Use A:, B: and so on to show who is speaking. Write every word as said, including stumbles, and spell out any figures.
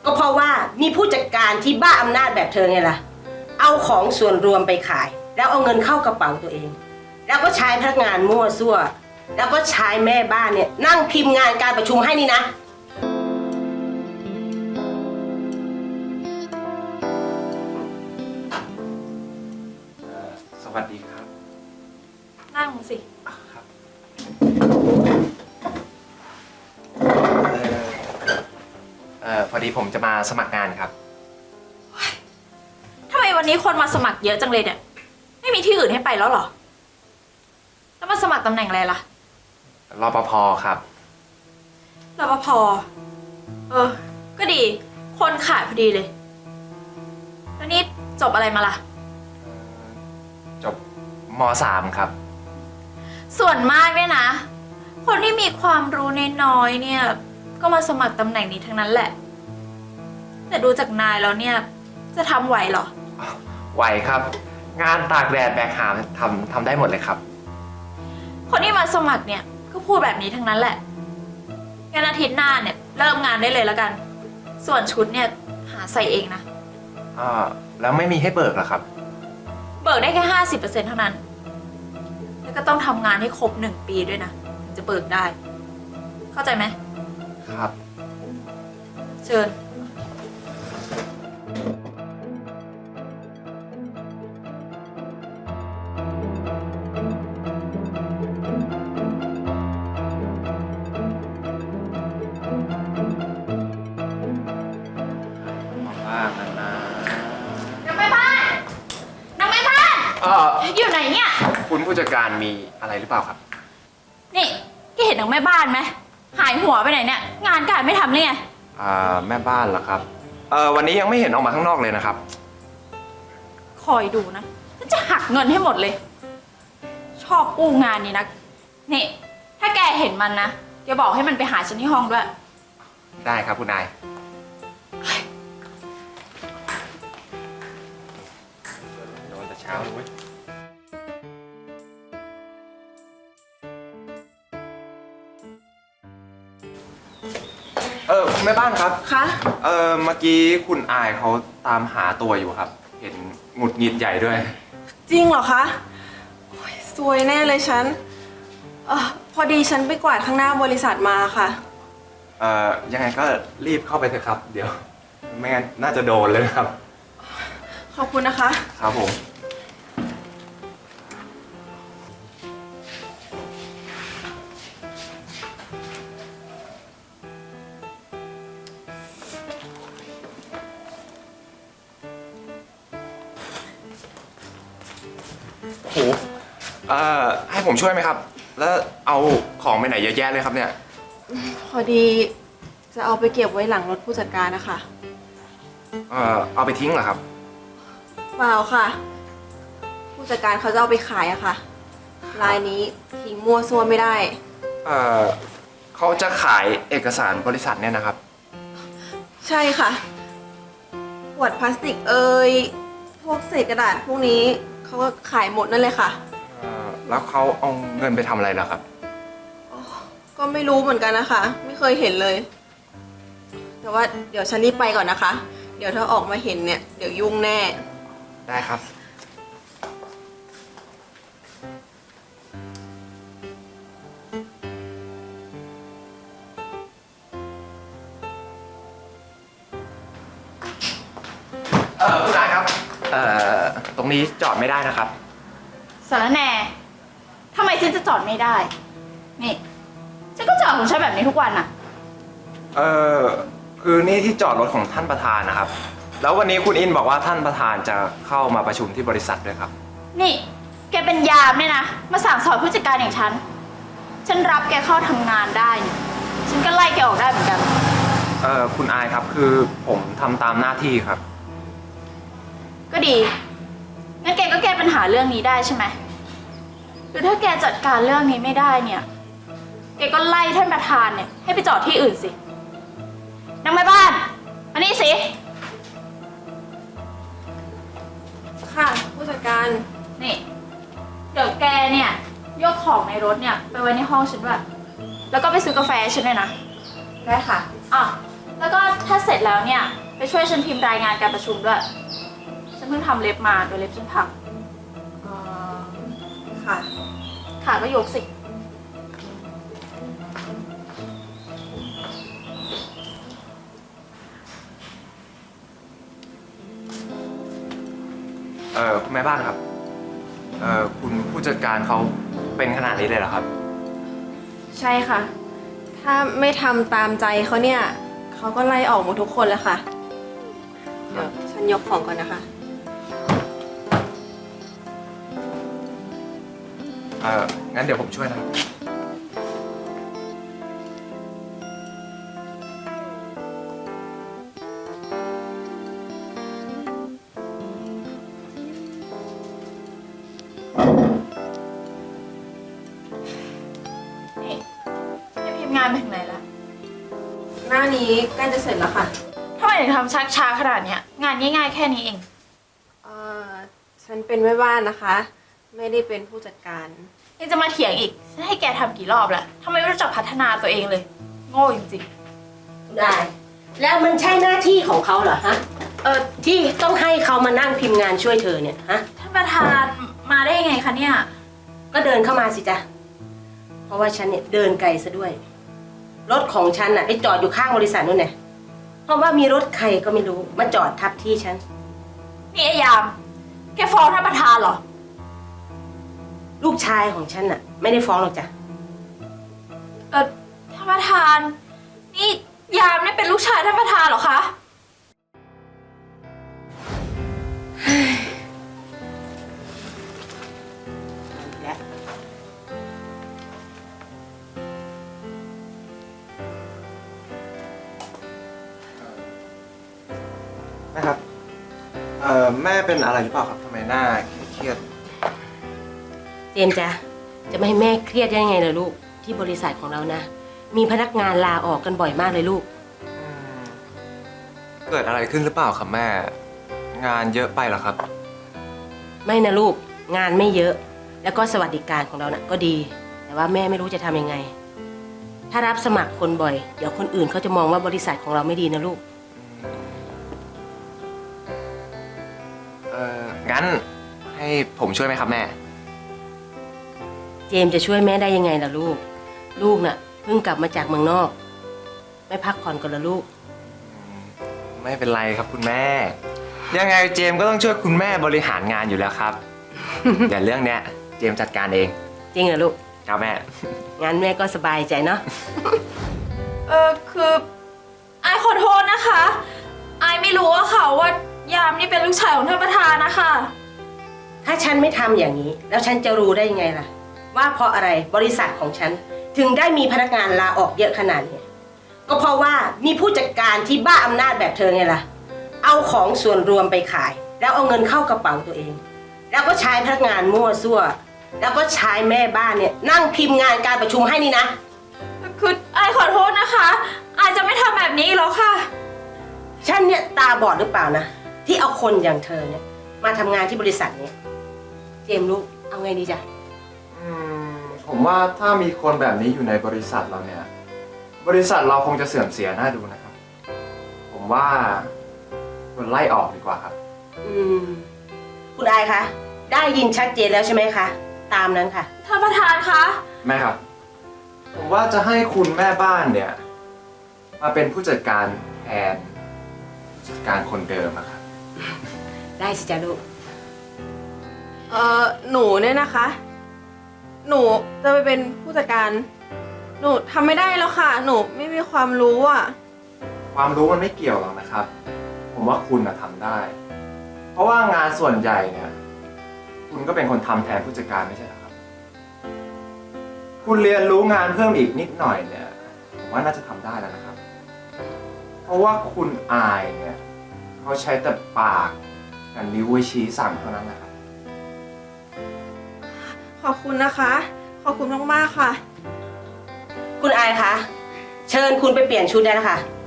A: ก็เพราะว่ามีผู้จัดการที่บ้าอำนาจแบบเธอไงล่ะเอาของส่วนรวมไปขายแล้วเอาเงินเข้ากระเป๋าตัวเองแล้วก็ใช้พนักงานมั่วซั่วแล้วก็ใช้แม่บ้านเนี่ยนั่งพิมพ์งานการประชุมให้นี่นะ
B: สวัสดีครับ
C: นั่งสิ
B: ครับเอ่อพอดีผมจะมาสมัครงานครับ
C: ทำไมวันนี้คนมาสมัครเยอะจังเลยเนี่ยไม่มีที่อื่นให้ไปแล้วเหรอแล้วมาสมัครตำแหน่งอะไรล่ะ
B: รปภครับ
C: รปภเออก็ดีคนขาดพอดีเลยแล้วนี่จบอะไรมาล่ะ
B: จบม.สาม ครับ
C: ส่วนมากเนี่ยนะคนที่มีความรู้น้อยๆเนี่ยก็มาสมัครตำแหน่งนี้ทั้งนั้นแหละแต่ดูจากนายแล้วเนี่ยจะทำไหวเหรอ
B: ไหวครับงานตากแดดแบกหามทำทำได้หมดเลยครับ
C: คนที่มาสมัครเนี่ยก็พูดแบบนี้ทั้งนั้นแหละงั้นอาทิตย์หน้าเนี่ยเริ่มงานได้เลยแล้วกันส่วนชุดเนี่ยหาใส่เองนะ
B: อ่าแล้วไม่มีให้เบิกเหรอครับ
C: เบิกได้แค่ห้าสิบเปอร์เซ็นต์เท่านั้นแล้วก็ต้องทำงานให้ครบหนึ่งปีด้วยนะถึงจะเบิกได้เข้าใจไหม
B: ครับ
C: เชิญ
B: บ้างนะนะ
C: นางแม่บ้านนางแม่บ้าน
B: เออ
C: อยู่ไหนเนี่ย
B: คุณผู้จัดการมีอะไรหรือเปล่าครับ
C: นี่แกเห็นนางแม่บ้านไหมหายหัวไปไหนเนี่ยงานการไม่ทำเลยไง
B: อ่าแม่บ้านเหรอครับเออวันนี้ยังไม่เห็นออกมาข้างนอกเลยนะครับ
C: คอยดูนะจะหักเงินให้หมดเลยชอบอู้งานนี่นะนี่ถ้าแกเห็นมันนะแกบอกให้มันไปหาฉันที่ห้องด้วย
B: ได้ครับคุณนายโดนแต่เช้าเลยเว้ยเออคุณแม่บ้านครับ
C: คะ
B: เออเมื่อกี้คุณอายเขาตามหาตัวอยู่ครับเห็นหงุดหงิดใหญ่ด้วย
D: จริงเหรอคะซวยแน่เลยฉันเออพอดีฉันไปกวาดข้างหน้าบริษัทมาค่ะ
B: เอ่อยังไงก็รีบเข้าไปเถอะครับเดี๋ยวไม่งั้นน่าจะโดนเลยครับ
D: ขอบคุณนะคะ
B: ครับผมโหเอ่อให้ผมช่วยไหมครับแล้วเอาของไปไหนเยอะแยะเลยครับเนี่ย
D: พอดีจะเอาไปเก็บไว้หลังรถผู้จัดการนะคะ
B: เอ่อเอาไปทิ้งเหรอครับ
D: เปล่าค่ะผู้จัดการเขาจะเอาไปขายอะค่ะรายนี้ทิ้งมั่วซั่วไม่ได้
B: เอ่อเขาจะขายเอกสารบริษัทเนี่ยนะครับ
D: ใช่ค่ะขวดพลาสติกเอ่ยพวกเศษกระดาษพวกนี้เขาก็ขายหมดนั่นเลยค่ะ
B: แล้วเขาเอาเงินไปทำอะไรล่ะครับ
D: ก็ไม่รู้เหมือนกันนะคะไม่เคยเห็นเลยแต่ว่าเดี๋ยวฉันรีบไปก่อนนะคะเดี๋ยวถ้าออกมาเห็นเนี่ยเดี๋ยวยุ่งแน่
B: ได้ครับเออคุณนายครับเอ่อตรงนี้จอดไม่ได้นะครับ
C: สารแหน่ทำไมฉันจะจอดไม่ได้นี่ฉันก็จอดของฉันแบบนี้ทุกวันอะ
B: เออคือนี่ที่จอดรถของท่านประธานนะครับแล้ววันนี้คุณอินบอกว่าท่านประธานจะเข้ามาประชุมที่บริษัทด้วยครับ
C: นี่แกเป็นยามเนี่ยนะมาสั่งสอนผู้จัดการอย่างฉันฉันรับแกเข้าทำงานได้ฉันก็ไล่แกออกได้เหมือนกัน
B: เออคุณอายครับคือผมทำตามหน้าที่ครับ
C: ก็ดีงั้นแกก็แก้ปัญหาเรื่องนี้ได้ใช่ไหมหรือถ้าแกจัดการเรื่องนี้ไม่ได้เนี่ยแกก็ไล่ท่านประธานเนี่ยให้ไปจอดที่อื่นสินางแม่บ้านมานี่สิ
D: ค่ะผู้จัดการ
C: นี่เดี๋ยวแกเนี่ยยกของในรถเนี่ยไปไว้ในห้องฉันด้วยแล้วก็ไปซื้อกาแฟฉันด้วยนะ
D: ได้ค่ะ
C: อ่ะแล้วก็ถ้าเสร็จแล้วเนี่ยไปช่วยฉันพิมพ์รายงานการประชุมด้วย ฉันเพิ่งทำเล็บมาโดยเล็บฉันพัง
D: เอ่อค่ะ
C: ขาก็ยกสิ
B: เออคุณแม่บ้านครับ เออคุณผู้จัดการเขาเป็นขนาดนี้เลยเหรอครับ
D: ใช่ค่ะ ถ้าไม่ทำตามใจเขาเนี่ยเขาก็ไล่ออกหมดทุกคนแล้วค่ะ เดี๋ยวฉันยกของก่อนนะคะ
B: เอองั้นเดี๋ยวผมช่วยนะครับ
C: นี่ให้พิมพ์งานไปถึงไหนละ
D: หน้านี้ใกล้จะเสร็จแล้วค่ะ
C: ทำไมถึงทำชักช้าขนาดเนี้ยงานง่ายๆแค่นี้เอง
D: เอ่อ ฉันเป็นแม่บ้านนะคะ ไม่ได้เป็นผู้จัดการ
C: ยังจะมาเถียงอีก ฉันให้แกทำกี่รอบแล้วทำไมไม่รู้จักพัฒนาตัวเองเลย โง่จริง
A: ได้ แล้วมันใช่หน้าที่ของเขาเหรอฮะ เออที่ต้องให้เขามานั่งพิมพ์งานช่วยเธอเนี่ยฮะ
C: ๆท่านประธานมาได้ยังไงคะเนี่ย
A: ก็เดินเข้ามาสิจ๊ะ เพราะว่าฉันเนี่ยเดินไกลซะด้วย รถของฉันน่ะไปจอดอยู่ข้างบริษัทนู่นไงเพราะว่ามีรถใครก็ไม่รู้มาจอดทับที่ฉัน
C: นี่ไอ้ยาม แกฟ้องท่านประธานเหรอ
A: ลูกชายของฉันน่ะ ไม่ได้ฟ้องหรอกจ้ะ
C: เออท่านประธาน นี่ยามเนี่ยเป็นลูกชายท่านประธานเหรอคะ
A: และ
B: แม่ครับ เออแม่เป็นอะไรหรือเปล่าครับทำไมหน้าเครียด
A: เจมส์จ๊ะจะไม่ให้แม่เครียดได้ยังไงล่ะลูกที่บริษัทของเรานะ มีพนักงานลาออกกันบ่อยมากเลยลูก
B: อืมเกิดอะไรขึ้นหรือเปล่าครับแม่ งานเยอะไปเหรอครับ
A: ไม่นะลูกงานไม่เยอะ แล้วก็สวัสดิการของเรานะ่ะก็ดี แต่ว่าแม่ไม่รู้จะทำยังไง ถ้ารับสมัครคนบ่อย เดี๋ยวคนอื่นเขาจะมองว่าบริษัทของเราไม่ดีนะลูก
B: เอองั้นให้ผมช่วยไหมครับแม่
A: เจมส์จะช่วยแม่ได้ยังไงล่ะลูก ลูกน่ะเพิ่งกลับมาจากเมืองนอก ไม่พักผ่อนก่อนละลูก
B: ไม่เป็นไรครับคุณแม่ ยังไงเจมส์ก็ต้องช่วยคุณแม่บริหารงานอยู่แล้วครับ เดี๋ยวเรื่องเนี้ยเจมส์จัดการเอง
A: จริงเหรอลูก
B: ครับแม่
A: งั้นแม่ก็สบายใจเนาะ
C: เออคืออายขอโทษนะคะอายไม่รู้ว่าค่ะว่ายามนี่เป็นลูกชายของท่านประธานนะคะ
A: ถ้าฉันไม่ทำอย่างนี้ แล้วฉันจะรู้ได้ยังไงล่ะ ว่าเพราะอะไรบริษัทของฉัน ถึงได้มีพนักงานลาออกเยอะขนาดนี้ ก็เพราะว่ามีผู้จัดการที่บ้าอำนาจแบบเธอไงล่ะ เอาของส่วนรวมไปขาย แล้วเอาเงินเข้ากระเป๋าตัวเอง แล้วก็ใช้พนักงานมั่วซั่ว แล้วก็ใช้แม่บ้านเนี่ยนั่งพิมพ์งานการประชุมให้นี่นะ
C: คืออายขอโทษนะคะอายจะไม่ทำแบบนี้อีกแล้วค่ะ
A: ฉันเนี่ยตาบอดหรือเปล่านะ ที่เอาคนอย่างเธอเนี่ยมาทำงานที่บริษัทเนี่ยเจมส์ลูกเอาไงดีจ๊ะ
B: อืมผมว่าถ้ามีคนแบบนี้อยู่ในบริษัทเราเนี่ย บริษัทเราคงจะเสื่อมเสียน่าดูนะครับ ผมว่าควรไล่ออกดีกว่าครับ
A: อืมคุณอายคะได้ยินชัดเจนแล้วใช่ไหมคะ ตามนั้นค่ะ
C: ท่านประธานคะ
B: แม่ครับ ผมว่าจะให้คุณแม่บ้านเนี่ย มาเป็นผู้จัดการแทนผู้จัดการคนเดิมอะครับ
A: ได้สิจ๊ะลูก
D: เอ่อ หนูเนี่ยนะคะ หนูจะไปเป็นผู้จัดการ หนูทำไม่ได้แล้วค่ะ หนูไม่มีความรู้อ่ะ
B: ความรู้มันไม่เกี่ยวหรอกนะครับ ผมว่าคุณนะทำได้ เพราะว่างานส่วนใหญ่เนี่ย คุณก็เป็นคนทำแทนผู้จัดการไม่ใช่เหรอครับ คุณเรียนรู้งานเพิ่มอีกนิดหน่อยเนี่ย ผมว่าน่าจะทำได้แล้วนะครับ เพราะว่าคุณอายเนี่ยเขาใช้แต่ปากกับนิ้วไว้ชี้สั่งเท่านั้นแหละครับ
D: ขอบคุณนะคะ ขอบคุณมากๆค่ะ
A: คุณอายคะเชิญคุณไปเปลี่ยนชุดได้แล้วค่ะ